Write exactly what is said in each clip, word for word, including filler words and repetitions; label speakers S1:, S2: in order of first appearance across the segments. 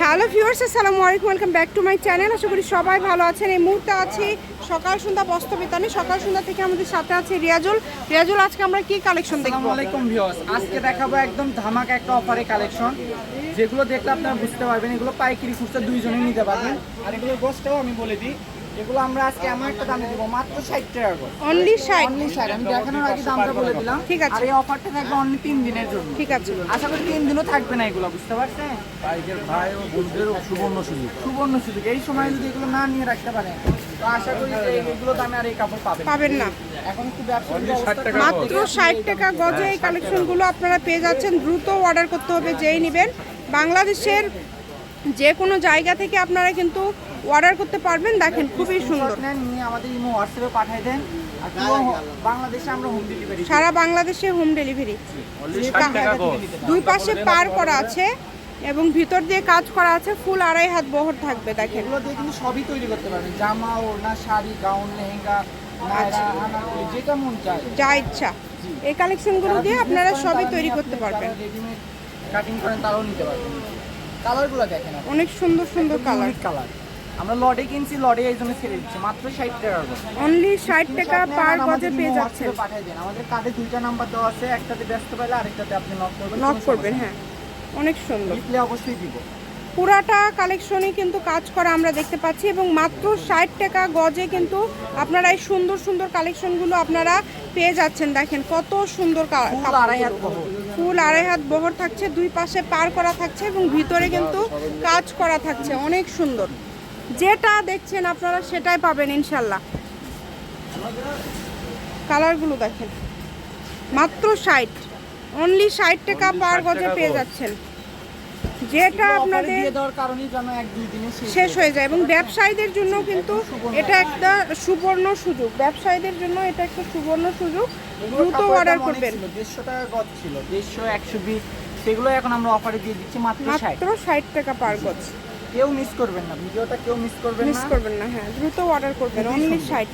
S1: Hello viewers, আসসালামু আলাইকুম, welcome back to my channel. আশা করি সবাই ভালো আছেন। এই মুহূর্তে আছি সকাল সন্ধ্যা বস্ত্র বিতানে। সকাল সন্ধ্যা থেকে আমাদের সাথে আছে রিয়াজুল। রিয়াজুল, আজকে আমরা কি কালেকশন দেখব?
S2: আসসালামু আলাইকুম ভিউয়ার্স, আজকে দেখাবো একদম ধামাকা একটা অফারে কালেকশন, যেগুলো দেখলে আপনারা বুঝতে পারবেন এগুলো পাইকারি খুচরা দুইজনেই নিতে পারবেন। আর এগুলো গোছটাও আমি বলে দিই, এগুলো আমরা আজকে এমন একটা দামে দেবো, মাত্র ষাট টাকা করে।
S1: অনলি ষাট?
S2: অনলি ষাট। আমি দেখানোর আগে দামটা বলে দিলাম।
S1: ঠিক আছে।
S2: আর এই অফারটা থাকবে অনলি তিন দিনের জন্য।
S1: ঠিক আছে।
S2: আশা করি তিন দিনও থাকবে না এগুলো, বুঝতে পারছেন?
S3: বাইকের ভাই ও বোনদের সুবর্ণ সুযোগ
S2: সুবর্ণ সুযোগ। এই সময় যদি এগুলো না নিয়ে রাখতে পারেন তো আশা করি যে এগুলো দামে আর এই কাপড় পাবেন
S1: পাবেন না।
S2: এখন একটু ব্যবসা
S1: মাত্র ষাট টাকা গজে এই কালেকশনগুলো আপনারা পেয়ে যাচ্ছেন। দ্রুত অর্ডার করতে হবে যেই নেবেন। বাংলাদেশের যে কোনো জায়গা থেকে আপনারা কিন্তু অর্ডার করতে পারবেন। দেখেন খুবই সুন্দর।
S2: নিয়ে আমাদের ইমো হোয়াটসঅ্যাপে পাঠিয়ে দেন। আর পুরো বাংলাদেশে আমরা হোম ডেলিভারি,
S1: সারা বাংলাদেশে হোম ডেলিভারি। দুই পাশে পার করা আছে এবং ভিতর দিয়ে কাজ করা আছে। ফুল আড়াই হাত বহর থাকবে। দেখেন
S2: এগুলো দিয়ে কিন্তু সবই তৈরি করতে পারবেন, জামা ওড়না শাড়ি গাউন লেহেঙ্গা নায়রা আনারকলি যেটা মন চায়
S1: যা ইচ্ছা এই কালেকশনগুলো দিয়ে আপনারা সবই তৈরি করতে পারবেন।
S2: রেডিমেড কাটিং করেন তারাও নিতে পারবেন। কালারগুলো দেখেন,
S1: অনেক সুন্দর সুন্দর কালার।
S2: কালার আমরা লটে কিনছি, লটে এই জন্য ছেড়ে দিচ্ছি মাত্র ষাট টাকা করে।
S1: অনলি ষাট টাকা পার গজে পেয়ে যাচ্ছেন।
S2: পাঠিয়ে দেন। আমাদের কার্ডে দুইটা নাম্বার দেওয়া আছে, একটাতে ব্যস্ত পেলে আরেকটাতে আপনি নক করবেন।
S1: নক করবেন। হ্যাঁ, অনেক সুন্দর।
S2: রিপ্লাই অবশ্যই দিব।
S1: পুরাটা কালেকশনে কিন্তু কাজ করা আমরা দেখতে পাচ্ছি এবং মাত্র ষাট টাকা গজে কিন্তু আপনারা এই সুন্দর সুন্দর কালেকশনগুলো আপনারা পেয়ে যাচ্ছেন। দেখেন কত সুন্দর ফুল আড়াই হাত বহর থাকছে, দুই পাশে পার করা থাকছে এবং ভিতরে কিন্তু কাজ করা থাকছে। অনেক সুন্দর। যেটা দেখছেন আপনারা সেটাই পাবেন ইনশাল্লাহ। কালারগুলো দেখেন, মাত্র ষাট, অনলি ষাট টাকা পার গজে পেয়ে যাচ্ছেন। যেটা আপনাদের শেষ হয়ে যায় এবং ব্যবসায়ীদের জন্য কিন্তু এটা একটা সুবর্ণ সুযোগ। ব্যবসায়ীদের জন্য এটা একটা সুবর্ণ সুযোগ। দ্রুত অর্ডার করবেন।
S2: দেড়শো টাকা গজ ছিল, দেড়শো একশো বিশ, সেগুলো এখন আমরা অফারে দিয়ে দিচ্ছি মাত্র
S1: মাত্র ষাট টাকা পার গজ।
S2: কেউ মিস করবেন না, ভিডিওটা কেউ মিস করবেন না,
S1: মিস করবেন না। হ্যাঁ, দ্রুত অর্ডার করবেন। অনলি ষাট,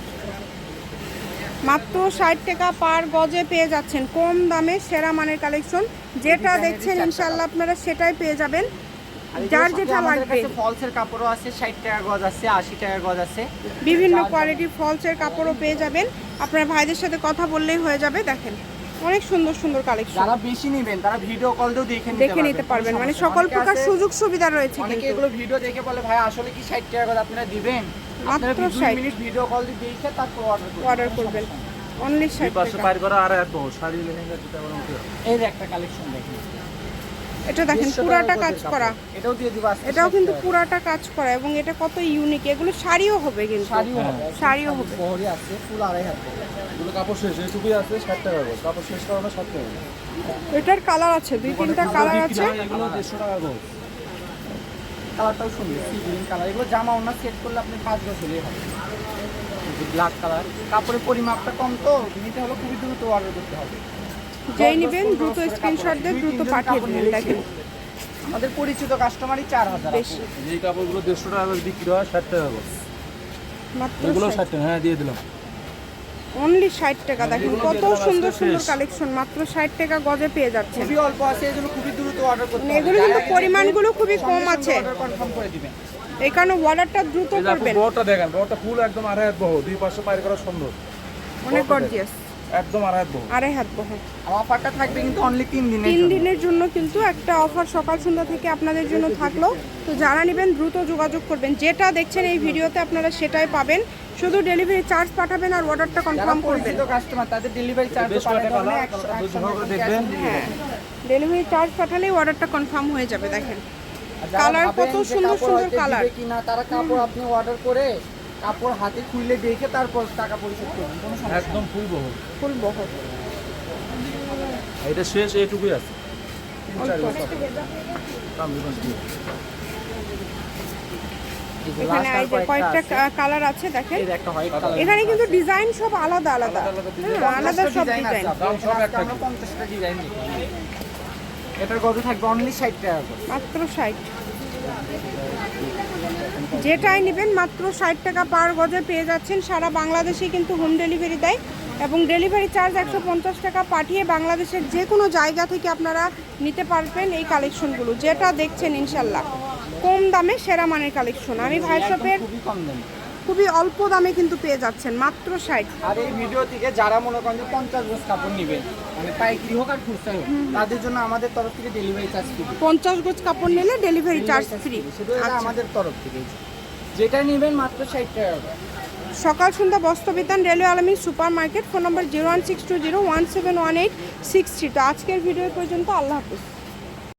S1: মাত্র ষাট টাকা পার গজে পেয়ে যাচ্ছেন। কম দামে সেরা মানের কালেকশন। যেটা দেখছেন ইনশাআল্লাহ আপনারা সেটাই পেয়ে যাবেন। যার যেটা লাগবে।
S2: ফলসের কাপড়ও আছে, ষাট টাকা গজ আছে, আশি টাকা গজ আছে।
S1: বিভিন্ন কোয়ালিটির ফলসের কাপড়ও পেয়ে যাবেন। আপনার ভাইদের সাথে কথা বললেই হয়ে যাবে। দেখেন অনেক সুন্দর সুন্দর কালেকশন।
S2: যারা বেশি নেবেন তারা ভিডিও কল দিয়েও দেখে
S1: দেখে নিতে পারবেন। মানে সকল প্রকার সুযোগ সুবিধা রয়েছে।
S2: অনেকে এগুলো ভিডিও দেখে বলে ভাই আসলে কি ষাট টাকা গজ আপনারা দিবেন?
S1: মাত্র ষাট
S2: মিনিট ভিডিও কল দিয়ে দেখে তারপর অর্ডার করবেন।
S1: অর্ডার করবেন। অনলি ষাট টাকা।
S3: পার করা আর এত শাড়ি লেহেঙ্গা যেটা বলা হতো।
S2: এই যে একটা কালেকশন দেখেন,
S1: এটা দেখেন পুরাটা কাজ করা।
S2: এটাও দিয়ে দিব আজকে।
S1: এটাও কিন্তু পুরাটা কাজ করা এবং এটা কত ইউনিক। এগুলো শাড়িও হবে কিন্তু।
S2: শাড়িও হবে,
S1: শাড়িও হবে।
S2: বহরি আছে, ফুল আড়াই হাত।
S3: এগুলো কাপড় শেষ এইটুকুই আছে, ষাট টাকা করে কাপড় শেষ করানো ষাট টাকা।
S1: এটার কালার আছে, দুই তিনটা কালার আছে।
S3: এগুলো দেড়শো টাকা করে।
S2: কালারটাও সুন্দর, সি গ্রিন কালার। এগুলো জামা ওড়না সেট করলে আপনি পাঁচ বছরই হবে। ব্ল্যাক কালার, কাপড়ের পরিমাপটা কম তো নিতে হলে খুবই দ্রুত অর্ডার করতে হবে।
S1: যেই নেবেন দ্রুত স্ক্রিনশট দিয়ে দ্রুত পাঠিয়ে দিন। দেখেন
S2: আমাদের পরিচিত কাস্টমারই চার হাজার।
S1: বেশি।
S3: এই কাপড়গুলো দেড়শো টাকা করে বিক্রি হয়, ষাট টাকা করে।
S1: মাত্র
S3: এগুলো ষাট টাকা। হ্যাঁ, দিয়ে দিলাম।
S1: অনলি ষাট টাকা। দেখেন কত সুন্দর সুন্দর কালেকশন। মাত্র ষাট টাকা গজে পেয়ে যাচ্ছেন।
S2: খুবই অল্প আছে, এজন্য খুবই দ্রুত অর্ডার করতে হবে।
S1: এগুলো কিন্তু পরিমাণগুলো খুবই কম আছে,
S2: অর্ডার কনফার্ম করে দিবেন।
S1: এই কারণে অর্ডারটা দ্রুত করবেন।
S3: বহরটা দেখেন, বহরটা ফুল একদম আড়াই হাত বহ, দুই পাশে পার করা সুন্দর,
S1: অনেক গর্জিয়াস।
S3: একদম আড়াই হাত বহ।
S1: আড়াই হাত বহ।
S2: অফারটা থাকবে কিন্তু অনলি তিন দিনের
S1: তিন
S2: জন্য।
S1: দিনের জন্য কিন্তু একটা অফার সকাল সন্ধ্যা থেকে আপনাদের জন্য থাকলো। তো যারা নেবেন দ্রুত যোগাযোগ করবেন। যেটা দেখছেন এই ভিডিওতে আপনারা সেটাই পাবেন। শুধু ডেলিভারি চার্জ পাঠাবেন আর অর্ডারটা কনফার্ম করবেন।
S2: কাস্টমার তাদের ডেলিভারি চার্জ
S3: দেখবেন।
S1: হ্যাঁ, ডেলিভারি চার্জ পাঠালেই অর্ডারটা কনফার্ম হয়ে যাবে। দেখেন কালার কত সুন্দর সুন্দর কালার।
S2: কিনা তারা কাপড় আপনি অর্ডার করে কাপড় হাতে খুলে দেখে তারপর টাকা পরিশোধ করবেন, কোনো সমস্যা
S3: একদম ফুল বহ।
S1: ফুল বহর।
S3: এটা শেষ এইটুকুই আছে।
S1: এখানে এই যে কয়েকটা কালার আছে দেখেন। এখানে কিন্তু ডিজাইন সব আলাদা আলাদা। হ্যাঁ, আলাদা সব ডিজাইন।
S2: আমরা পঞ্চাশটা ডিজাইন দেখি। এটার গজ থাকবে অনলি ষাট টাকা করে।
S1: মাত্র ষাট। যেটাই নেবেন মাত্র ষাট টাকা পার গজে পেয়ে যাচ্ছেন। সারা বাংলাদেশে কিন্তু হোম ডেলিভারি দেয় এবং ডেলিভারি চার্জ একশো পঞ্চাশ টাকা পাঠিয়ে বাংলাদেশের যে কোনো জায়গা থেকে আপনারা নিতে পারবেন এই কালেকশনগুলো। যেটা দেখছেন ইনশাল্লাহ কম দামে সেরা মানের কালেকশন। আমি ভাই
S2: একদম
S1: শপের
S2: খুবই কম দামে।
S1: খুবই অল্প দামে কিন্তু পেয়ে যাচ্ছেন মাত্র ষাট।
S2: আর এই ভিডিও থেকে যারা মনে করেন যে পঞ্চাশ গজ কাপড় নেবেন, মানে পাইকারি হোক আর খুচরা হোক, তাদের জন্য আমাদের তরফ থেকে ডেলিভারি চার্জ ফ্রি।
S1: পঞ্চাশ গজ কাপড় নিলে ডেলিভারি চার্জ ফ্রি।
S2: শুধু এটা আমাদের তরফ থেকে, যেটা নেবেন মাত্র ষাট টাকা করে।
S1: সকাল সন্ধ্যা বস্ত্র বিতান, রেলওয়ে আলমী super market, phone number zero one six two zero one seven one eight six three. তো আজকের ভিডিও পর্যন্ত, আল্লাহ হাফিজ।